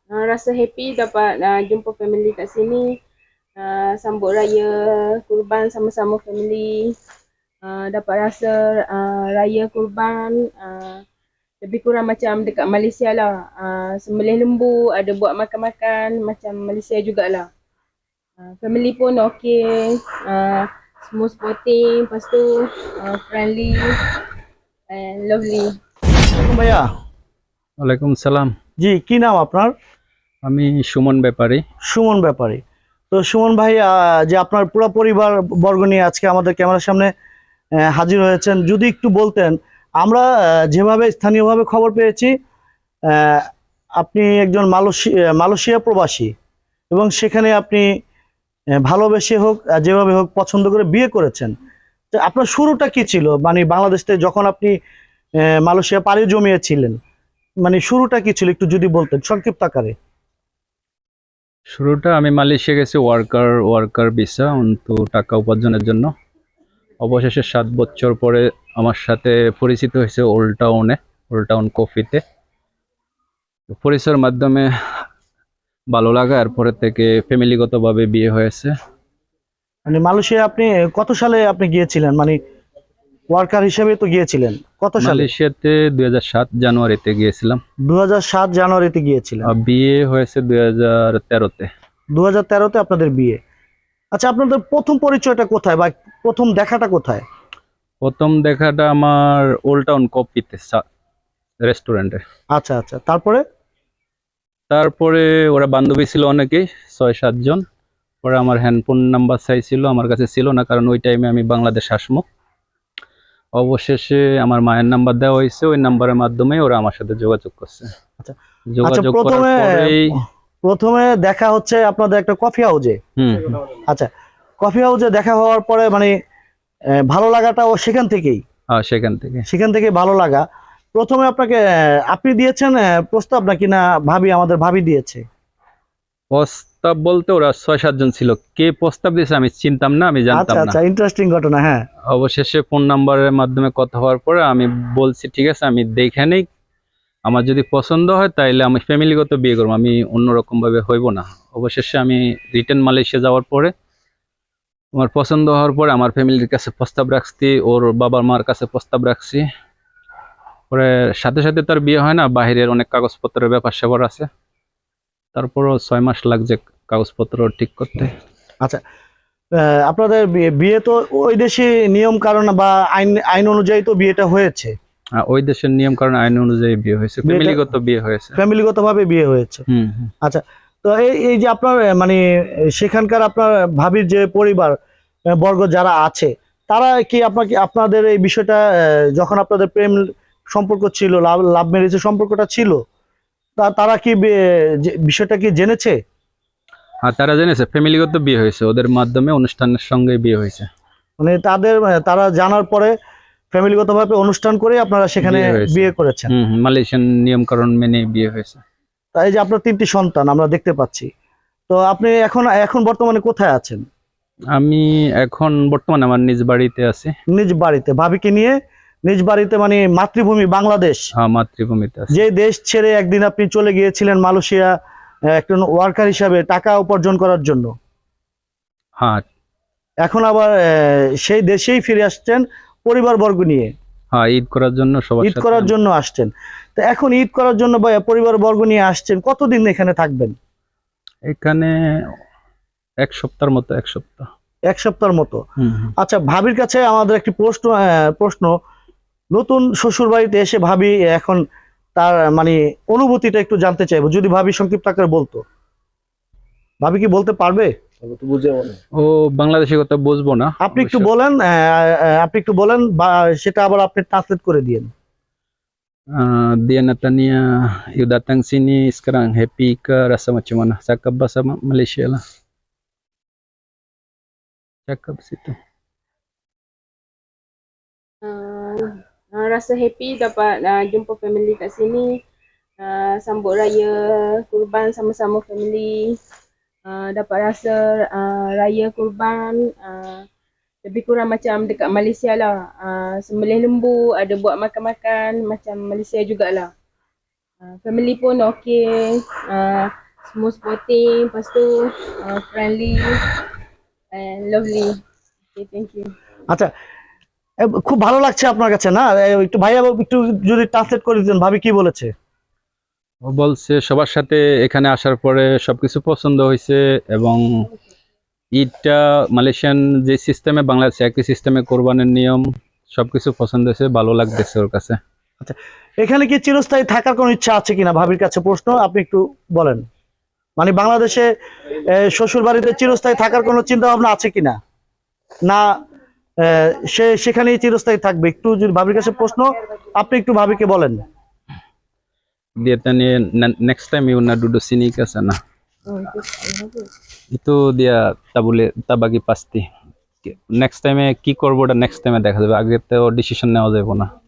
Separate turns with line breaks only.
Rasa happy dapat jumpa family kat sini, sambut raya kurban sama-sama family. Dapat rasa raya kurban lebih kurang macam dekat Malaysia lah. Sembelih lembu, ada buat makan-makan macam Malaysia jugalah. Family pun okey, semua supporting, lepas tu friendly and lovely.
ভাইয়া,
ওয়ালাইকুম সালাম।
জি কি নাম আপনার?
আমি সুমন ব্যাপারী।
সুমন ব্যাপারী। তো সুমন ভাই, যে আপনার পুরো পরিবার বর্গ নিয়ে আজকে আমাদের ক্যামেরার সামনে হাজির হয়েছেন, যদি একটু বলতেন। আমরা যেভাবে স্থানীয়ভাবে খবর পেয়েছি, আহ, আপনি একজন মালয়েশিয়া প্রবাসী, এবং সেখানে আপনি ভালোবেসে হোক যেভাবে হোক পছন্দ করে বিয়ে করেছেন। তো আপনার শুরুটা কি ছিল, মানে বাংলাদেশ থেকে যখন আপনি মালয়েশিয়া পাড়ি জমিয়েছিলেন, মানে শুরুটা কি ছিল একটু যদি বলতেন সংক্ষিপ্ত আকারে।
শুরুটা আমি মালয়েশিয়া গেছি ওয়ার্কার ভিসা অন্তু টাকা উপার্জনের জন্য। অবশেষে 7 বছর পরে আমার সাথে পরিচিত হয়েছে ওল্ড টাউন কফিতে। পরিচয়ের মাধ্যমে ভালো লাগা, এরপরে থেকে ফ্যামিলিগতভাবে বিয়ে হয়েছে।
মানে মালয়েশিয়া আপনি কত সালে আপনি গিয়েছিলেন, মানে ওয়ার্কার হিসেবে তো গিয়েছিলেন কত সালে?
মালয়েশিয়াতে 2007 জানুয়ারিতে গিয়েছিলাম।
2007 জানুয়ারিতে গিয়েছিলেন।
বিয়ে হয়েছে 2013-তে।
2013-তে আপনাদের বিয়ে। আচ্ছা, আপনাদের প্রথম পরিচয়টা কোথায় বা প্রথম দেখাটা কোথায়?
প্রথম দেখাটা আমার ওল্ড টাউন কফিতে রেস্টুরেন্টে।
আচ্ছা আচ্ছা, তারপরে?
তারপরে ওরা বান্ধবী ছিল অনেকেই, 6-7 জন। পরে আমার হ্যান্ডফোন নাম্বার চাইছিল, আমার কাছে ছিল না, কারণ ওই টাইমে আমি বাংলাদেশ আসমো। অবশেষে আমার মায়ের নাম্বার দেওয়া হয়েছে, ওই নাম্বারের মাধ্যমে ওরা আমার সাথে যোগাযোগ করছে।
আচ্ছা আচ্ছা,
যোগাযোগ করার
প্রথমে
পরেই
প্রথমে দেখা হচ্ছে আপনাদের একটা কফি হাউজে।
হুম
আচ্ছা, কফি হাউজে দেখা হওয়ার পরে মানে ভালো লাগাটাও সেখান থেকেই?
সেখান থেকে
ভালো লাগা। প্রথমে আপনাকে আপনি দিয়েছেন প্রস্তাব, নাকি না আমাদের ভাবি দিয়েছে?
প্রস্তাব বলতে ওরা 6-7 জন ছিল, কে প্রস্তাব দিয়েছে আমি চিনতাম না, আমি জানতাম
আচ্ছা
না।
আচ্ছা, ইন্টারেস্টিং ঘটনা। হ্যাঁ,
অবশেষে ফোন নাম্বারের মাধ্যমে কথা হওয়ার পরে আমি বলছি ঠিক আছে, আমি দেখে নেই, আমার যদি পছন্দ হয় তাইলে আমি ফ্যামিলিগত বিয়ে করবো, আমি অন্যরকম ভাবে হইব না। অবশেষে আমি রিটার্ন মালয়েশিয়া যাওয়ার পরে আমার পছন্দ হওয়ার পরে আমার ফ্যামিলির কাছে প্রস্তাব রাখছি, ওর বাবা মার কাছে প্রস্তাব রাখছি। পরে সাথে সাথে তার বিয়ে হয় না, বাহিরের অনেক কাগজপত্রের ব্যাপার স্যাপার আছে, তারপরও 6 মাস লাগছে কাগজপত্র ঠিক করতে।
আচ্ছা, আপনাদের বিয়ে তো ওই দেশে নিয়ম কারণ বা আইন আইন অনুযায়ী তো বিয়েটা হয়েছে।
ওই দেশের নিয়ম কারণ আইন অনুযায়ী বিয়ে হয়েছে, ফ্যামিলিগত বিয়ে হয়েছে।
ফ্যামিলিগত ভাবে বিয়ে হয়েছে।
হুম।
আচ্ছা, তো এই যে আপনার মানে সেখানকার আপনার ভাবির যে পরিবার বর্গ যারা আছে, তারা কি আপনাদের এই বিষয়টা যখন আপনাদের প্রেম সম্পর্ক ছিল, লাভ ম্যারেজের সম্পর্কটা ছিল, তারা কি বিষয়টা কি জেনেছে?
আর তারা জেনেছে ফ্যামিলিগত বিয়ে হয়েছে, ওদের মাধ্যমে অনুষ্ঠানের সঙ্গে বিয়ে হয়েছে।
মানে তারা জানার পরে ফ্যামিলিগতভাবে অনুষ্ঠান করে আপনারা সেখানে বিয়ে করেছেন।
মালয়েশিয়ান নিয়ম কারণ মেনে বিয়ে হয়েছে।
তাই যে আপনার 3টি সন্তান আমরা দেখতে পাচ্ছি। তো আপনি এখন এখন বর্তমানে কোথায় আছেন?
আমি এখন বর্তমানে আমার নিজ বাড়িতে আছি।
নিজ বাড়িতে ভাবিকে নিয়ে নিজ বাড়িতে, মানে মাতৃভূমি বাংলাদেশ।
হ্যাঁ, মাতৃভূমিতে আছি।
যে দেশ ছেড়ে একদিন আপনি চলে গিয়েছিলেন মালয়েশিয়া একজন ওয়ার্কার হিসাবে টাকা উপার্জন করার জন্য,
হ্যাঁ
এখন আবার সেই দেশেই ফিরে আসছেন পরিবারবর্গ নিয়ে।
হ্যাঁ, ঈদ করার জন্য
ঈদ করার জন্য আসছেন। তো এখন ঈদ করার জন্য পরিবারবর্গ নিয়ে আসছেন, কতদিন এখানে থাকবেন?
এখানে 1 সপ্তাহের মতো।
1 সপ্তাহের মতো। আচ্ছা, ভাবির কাছে আমাদের একটি প্রশ্ন। নতুন শ্বশুর বাড়িতে এসে ভাবি এখন তার মানে অনুভূতিটা একটু জানতে চাইবো, যদি ভাবি সংক্ষিপ্ত আকারে বলতো। ভাবি কি বলতে পারবে?
ও বাংলাদেশি কথা বুঝবো না।
আপনি একটু বলেন বা সেটা আবার আপনি ট্রান্সলেট করে দিয়েন।
Dia Natania you datang sini sekarang happy ke, rasa macam mana? Cakap bahasa Malaysia lah. Cakap situ.
Rasa happy dapat jumpa family kat sini, sambut raya kurban sama-sama family. Dapat rasa raya kurban lebih kurang macam dekat Malaysia lah. Sembelih lembu, ada buat makan-makan macam Malaysia jugalah. family pun okay, smooth sporting, lepas tu friendly and lovely. Okay, thank you.
আচ্ছা, খুব ভালো লাগছে আপনার কাছে না? একটু ভাইয়া একটু যদি ট্রান্সলেট করে দিতেন, ভাবি কি বলেছে?
ও বলছে সবার সাথে এখানে আসার পরে সবকিছু পছন্দ হয়েছে এবং ঈদটা মালয়েশিয়ান যে সিস্টেমে বাংলাদেশে একই সিস্টেমে কোরবানের নিয়ম সবকিছু পছন্দ হয়েছে, ভালো লাগতেছে ওর কাছে।
এখানে কি চিরস্থায়ী থাকার কোনো ইচ্ছা আছে কিনা, ভাবির কাছে প্রশ্ন, আপনি একটু বলেন। মানে বাংলাদেশে শ্বশুর বাড়িতে চিরস্থায়ী থাকার কোনো চিন্তা ভাবনা আছে কিনা, না সে সেখানেই চিরস্থায়ী থাকবে? একটু যদি ভাবির কাছে প্রশ্ন, আপনি একটু ভাবিকে বলেন।
Dia tanya next time you nak duduk sini ke sana.
Oh, itu apa?
Itu dia tak bagi pasti. Next time কি করবো ওটা নেক্সট টাইমে দেখা যাবে, আগে তো ডিসিশন নেওয়া যাবে না।